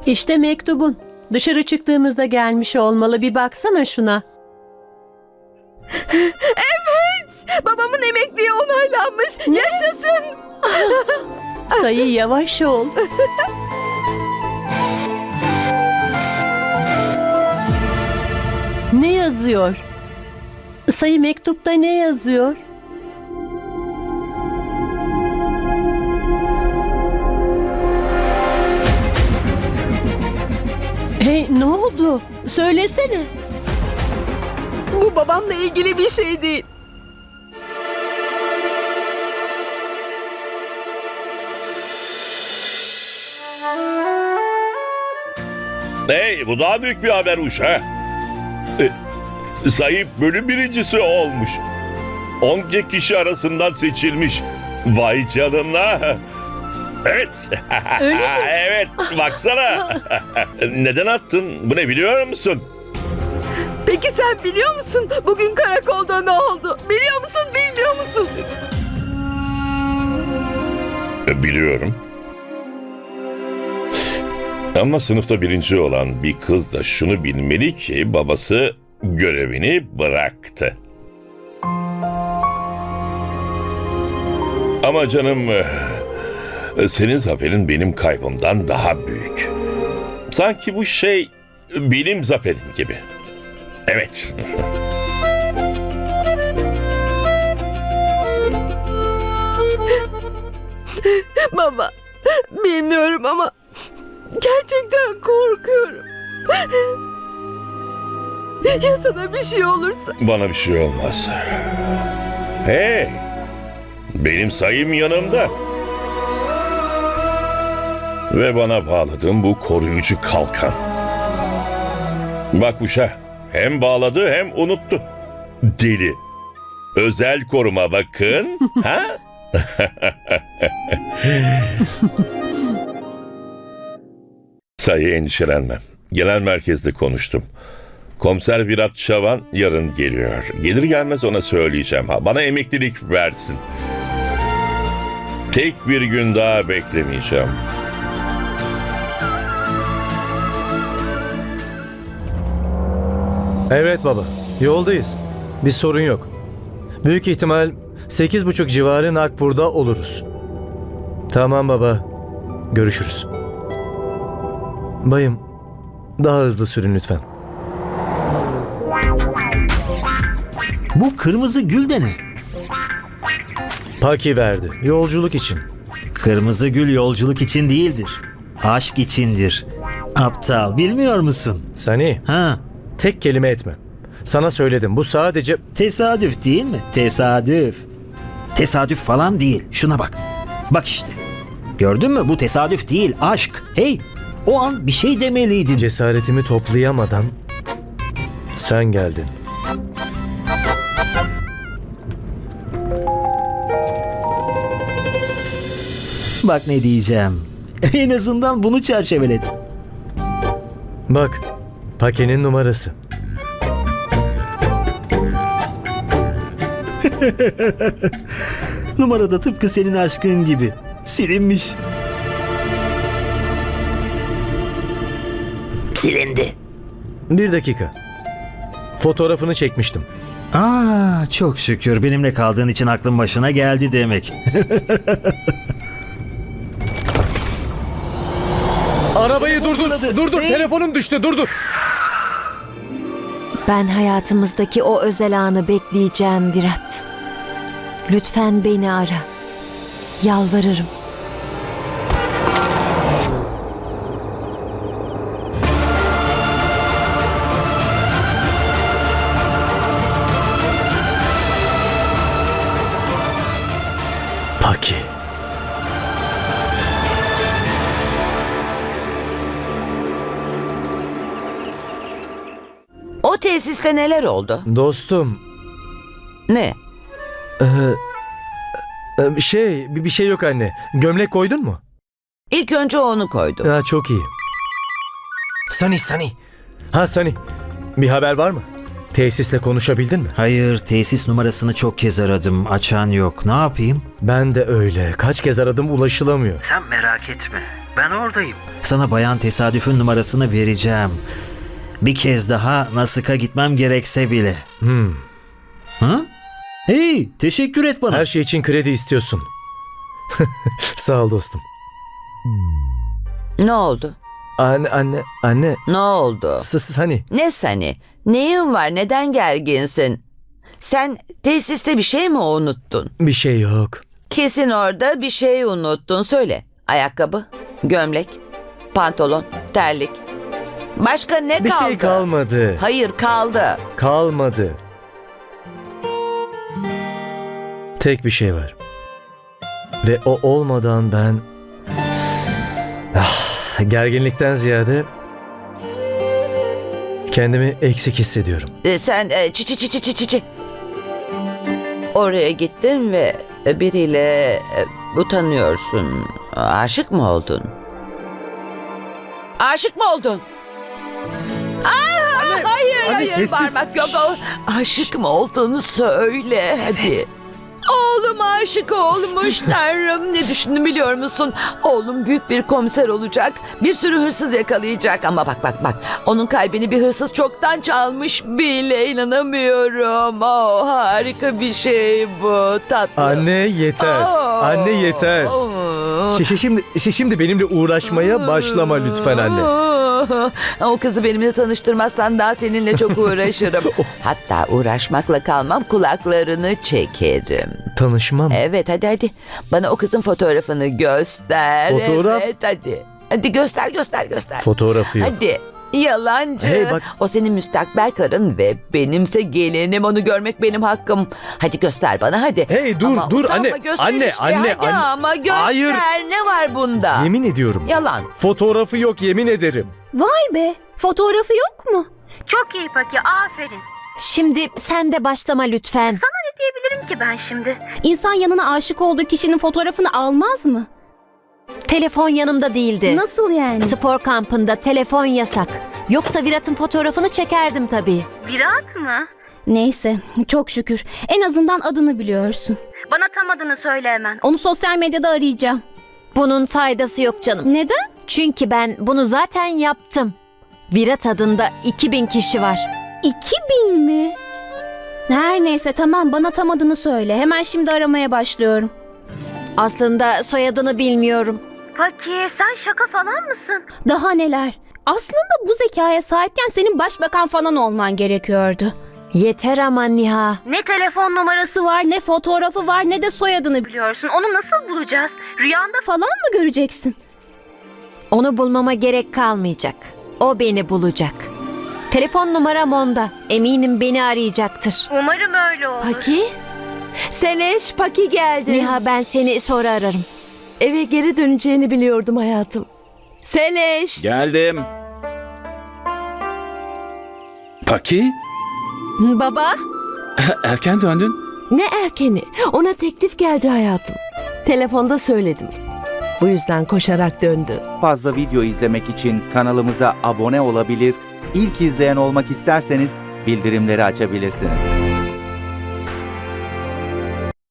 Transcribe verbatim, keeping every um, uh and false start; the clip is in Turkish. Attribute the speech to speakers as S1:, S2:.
S1: İşte mektubun. Dışarı çıktığımızda gelmiş olmalı. Bir baksana şuna.
S2: Evet! Babamın emekliği onaylanmış. Yaşasın!
S1: Sayı yavaş ol. Ne yazıyor? Sayı mektupta ne yazıyor? Hey, ne oldu? Söylesene.
S2: Bu babamla ilgili bir şey değil.
S3: Hey, bu daha büyük bir haber uş ha. E, Sayıp bölüm birincisi olmuş. Onca kişi arasından seçilmiş. Vay canına. Evet.
S1: Öyle mi?
S3: Evet, baksana. Neden attın? Bu ne biliyor musun?
S2: Peki sen biliyor musun? Bugün karakolda ne oldu? Biliyor musun, bilmiyor musun?
S3: E, Biliyorum. Ama sınıfta birinci olan bir kız da şunu bilmeli ki babası görevini bıraktı. Ama canım, e, senin zaferin benim kaybımdan daha büyük. Sanki bu şey benim zaferim gibi. Evet.
S2: Baba, bilmiyorum ama gerçekten korkuyorum. Ya sana bir şey olursa?
S3: Bana bir şey olmaz. Hey! Benim sayım yanımda. Ve bana bağladığım bu koruyucu kalkan. Bak uşa, hem bağladı hem unuttu. Deli. Özel koruma bakın. Ha? Sayı endişelenme. Genel merkezde konuştum. Komiser Virat Şavan yarın geliyor. Gelir gelmez ona söyleyeceğim. Ha, bana emeklilik versin. Tek bir gün daha beklemeyeceğim.
S4: Evet baba, yoldayız. Bir sorun yok. Büyük ihtimal sekiz buçuk civarı Nagpur'da oluruz. Tamam baba, görüşürüz. Bayım, daha hızlı sürün lütfen.
S5: Bu kırmızı gül de ne?
S4: Paki verdi, yolculuk için.
S5: Kırmızı gül yolculuk için değildir. Aşk içindir. Aptal, bilmiyor musun?
S4: Sani,
S5: Ha,
S4: tek kelime etme. Sana söyledim, bu sadece...
S5: tesadüf değil mi? Tesadüf. Tesadüf falan değil. Şuna bak. Bak işte. Gördün mü? Bu tesadüf değil, aşk. Hey, o an bir şey demeliydin.
S4: Cesaretimi toplayamadan sen geldin.
S5: Bak ne diyeceğim. En azından bunu çerçevelet.
S4: Bak, Paki'nin numarası.
S5: Numarada tıpkı senin aşkın gibi. Silinmiş. Silindi.
S4: Bir dakika. Fotoğrafını çekmiştim.
S5: Aa, çok şükür benimle kaldığın için aklın başına geldi demek.
S4: Arabayı durdur, durdur. Telefonum düştü, durdur.
S6: Ben hayatımızdaki o özel anı bekleyeceğim Virat. Lütfen beni ara. Yalvarırım.
S4: Paki.
S7: O tesiste neler oldu?
S4: Dostum,
S7: Ne?
S4: Ee, e, şey, bir bir şey yok anne. Gömlek koydun mu?
S7: İlk önce onu koydum.
S4: Ha, çok iyi. Sani, Sani. Ha Sani, bir haber var mı? Tesisle konuşabildin mi?
S5: Hayır, tesis numarasını çok kez aradım. Açan yok. Ne yapayım?
S4: Ben de öyle. Kaç kez aradım, ulaşılamıyor.
S5: Sen merak etme. Ben oradayım. Sana bayan tesadüfün numarasını vereceğim. Bir kez daha Nasik'a gitmem gerekse bile.
S4: Hmm.
S5: Ha? Hey, teşekkür et bana.
S4: Her şey için kredi istiyorsun. Sağ ol dostum.
S7: Ne oldu?
S4: Anne, anne, anne.
S7: Ne oldu?
S4: Sız hani.
S7: Ne seni? Neyin var? Neden gerginsin? Sen tesiste bir şey mi unuttun?
S4: Bir şey yok.
S7: Kesin orada bir şey unuttun. Söyle. Ayakkabı, gömlek, pantolon, terlik. Başka ne
S4: Bir
S7: kaldı?
S4: şey kalmadı.
S7: Hayır kaldı.
S4: Kalmadı. Tek bir şey var. Ve o olmadan ben... Ah, gerginlikten ziyade... kendimi eksik hissediyorum.
S7: E, sen e, çi çi çi çi çi çi çi. Oraya gittin ve biriyle e, utanıyorsun. Aşık mı oldun? Aşık mı oldun? Aa, hayır,
S4: anne,
S7: hayır,
S4: sessiz.
S7: bağırmak yok. O- Aşık mı olduğunu söyle hadi. Oğlum aşık olmuş Tanrım. Ne düşündüm biliyor musun? Oğlum büyük bir komiser olacak. Bir sürü hırsız yakalayacak. Ama bak bak bak. Onun kalbini bir hırsız çoktan çalmış bile. İnanamıyorum. Oh, harika bir şey bu. Tatlı.
S4: Anne yeter.
S7: Oh.
S4: Anne yeter.
S7: Oh.
S4: Şi- Şimdi, şi- şimdi benimle uğraşmaya başlama lütfen anne.
S7: O kızı benimle tanıştırmazsan daha seninle çok uğraşırım. Hatta uğraşmakla kalmam, kulaklarını çekerim.
S4: Tanışmam.
S7: Evet hadi hadi. Bana o kızın fotoğrafını göster.
S4: Fotoğraf?
S7: Evet hadi. Hadi göster göster göster.
S4: Fotoğrafı yok.
S7: Hadi. Yalancı.
S4: Hey, bak.
S7: O senin müstakbel karın ve benimse gelinim. Onu görmek benim hakkım. Hadi göster bana hadi.
S4: Hey, dur,
S7: Ama
S4: dur,
S7: utanma,
S4: anne,
S7: göster
S4: anne,
S7: işte.
S4: anne,
S7: Hadi
S4: anne.
S7: ama göster.
S4: Hayır.
S7: Ne var bunda?
S4: Yemin ediyorum.
S7: Yalan.
S4: Fotoğrafı yok, yemin ederim.
S8: Vay be, fotoğrafı yok mu? Çok iyi Paki, aferin.
S6: Şimdi sen de başlama lütfen.
S8: Ne diyebilirim ki ben şimdi? İnsan yanına aşık olduğu kişinin fotoğrafını almaz mı?
S6: Telefon yanımda değildi.
S8: Nasıl yani?
S6: Spor kampında telefon yasak. Yoksa Virat'ın fotoğrafını çekerdim tabii.
S8: Virat mı? Neyse, çok şükür. En azından adını biliyorsun. Bana tam adını söyle hemen. Onu sosyal medyada arayacağım.
S6: Bunun faydası yok canım.
S8: Neden?
S6: Çünkü ben bunu zaten yaptım. Virat adında iki bin kişi var.
S8: İki bin mi? Her neyse tamam, bana tam adını söyle. Hemen şimdi aramaya başlıyorum.
S6: Aslında soyadını bilmiyorum.
S8: Paki, sen şaka falan mısın? Daha neler? Aslında bu zekaya sahipken senin başbakan falan olman gerekiyordu.
S6: Yeter ama Niha.
S8: Ne telefon numarası var, ne fotoğrafı var, ne de soyadını biliyorsun. Onu nasıl bulacağız? Rüyanda falan mı göreceksin?
S6: Onu bulmama gerek kalmayacak. O beni bulacak. Telefon numaram onda. Eminim beni arayacaktır.
S8: Umarım öyle olur.
S2: Paki? Seleş, Paki geldi.
S6: Niha, ben seni sonra ararım.
S2: Eve geri döneceğini biliyordum hayatım. Seleş.
S9: Geldim. Paki,
S6: Baba?
S9: erken döndün.
S2: Ne erkeni? Ona teklif geldi hayatım. Telefonda söyledim. Bu yüzden koşarak döndü.
S10: Fazla video izlemek için kanalımıza abone olabilir, ilk izleyen olmak isterseniz bildirimleri açabilirsiniz.